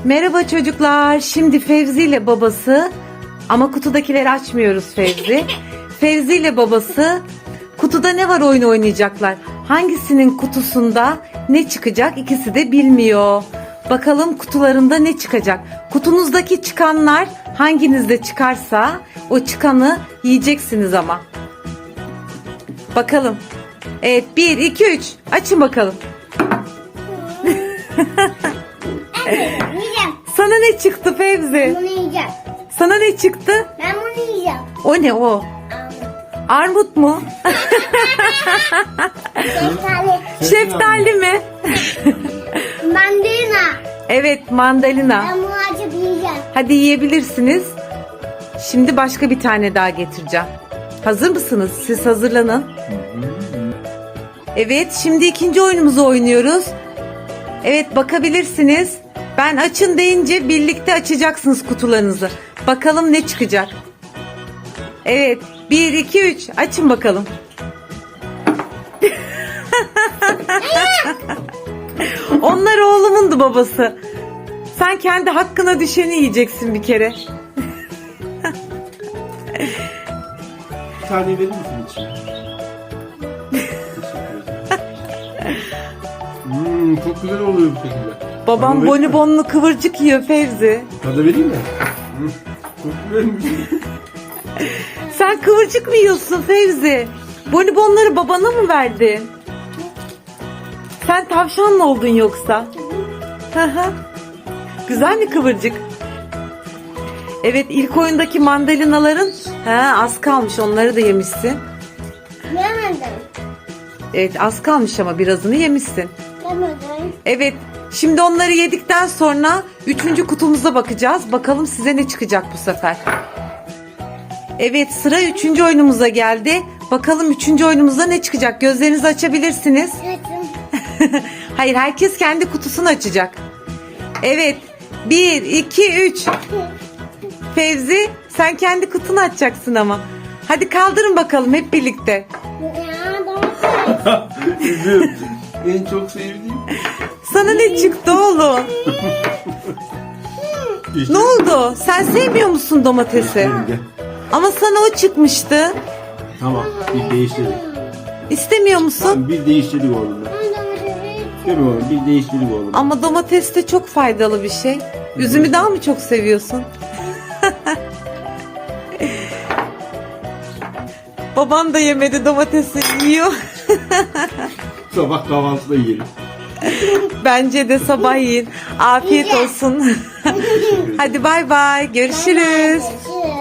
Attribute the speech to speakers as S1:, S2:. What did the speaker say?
S1: Merhaba çocuklar. Şimdi Fevzi ile babası, ama kutudakileri açmıyoruz Fevzi. Fevzi ile babası kutuda ne var oyunu oynayacaklar. Hangisinin kutusunda ne çıkacak ikisi de bilmiyor. Bakalım kutularında ne çıkacak. Kutunuzdaki çıkanlar hanginizde çıkarsa o çıkanı yiyeceksiniz ama. Bakalım. Evet, 1, 2, 3 açın bakalım.
S2: Yiyeceğim.
S1: Sana ne çıktı Fevzi?
S2: Bunu yiyeceğim.
S1: Sana ne çıktı?
S2: Ben bunu yiyeceğim.
S1: O ne o? Armut mu?
S2: Şeftali.
S1: Şeftali mi?
S2: Mandalina.
S1: Evet, mandalina.
S2: Ben bunu açıp yiyeceğim.
S1: Hadi yiyebilirsiniz. Şimdi başka bir tane daha getireceğim. Hazır mısınız? Siz hazırlanın. Evet, şimdi ikinci oyunumuzu oynuyoruz. Evet, bakabilirsiniz. Ben açın deyince birlikte açacaksınız kutularınızı. Bakalım ne çıkacak. Evet, 1, 2, 3 açın bakalım. Onlar oğlumundu babası. Sen kendi hakkına düşeni yiyeceksin bir kere.
S3: Bir tane verir misin içine? Çok güzel oluyor bu şekilde.
S1: Babam
S3: Tadı vereyim mi?
S1: bonibonlu kıvırcık yiyor Fevzi.
S3: Tadı vereyim mi? Çok güzelmiş.
S1: Sen kıvırcık mı yiyorsun Fevzi? Bonibonları babana mı verdin? Sen tavşan mı oldun yoksa? Hı hı. Güzel mi kıvırcık? Evet, ilk oyundaki mandalinaların az kalmış, onları da yemişsin.
S2: Yemedim.
S1: Evet, az kalmış ama birazını yemişsin.
S2: Yemedim.
S1: Evet, şimdi onları yedikten sonra 3. kutumuza bakacağız. Bakalım size ne çıkacak bu sefer. Evet, sıra 3. oyunumuza geldi. Bakalım 3. oyunumuzda ne çıkacak? Gözlerinizi açabilirsiniz.
S2: Açım.
S1: Hayır, herkes kendi kutusunu açacak. Evet, 1, 2, 3. Fevzi, sen kendi kutunu açacaksın ama. Hadi kaldırın bakalım hep birlikte.
S2: Ya domates.
S3: Üzüm. En çok sevdiğim.
S1: Sana ne çıktı oğlum?
S3: İşte
S1: Ne oldu? Sen sevmiyor musun domatesi?
S3: Gel.
S1: Ama sana o çıkmıştı.
S3: Tamam, bir değiştirdik.
S1: İstemiyor musun?
S3: Tamam, bir değiştirdik oğlum. Değil mi oğlum? Bir değiştirdik oğlum.
S1: Ama domates de çok faydalı bir şey. Üzümü daha mı çok seviyorsun? Baban da yemedi, domatesi yiyor.
S3: Sabah kahvaltıda yiyelim.
S1: Bence de sabah yiyin. Afiyet olsun. Hadi bay bay. Görüşürüz.
S2: Görüşürüz.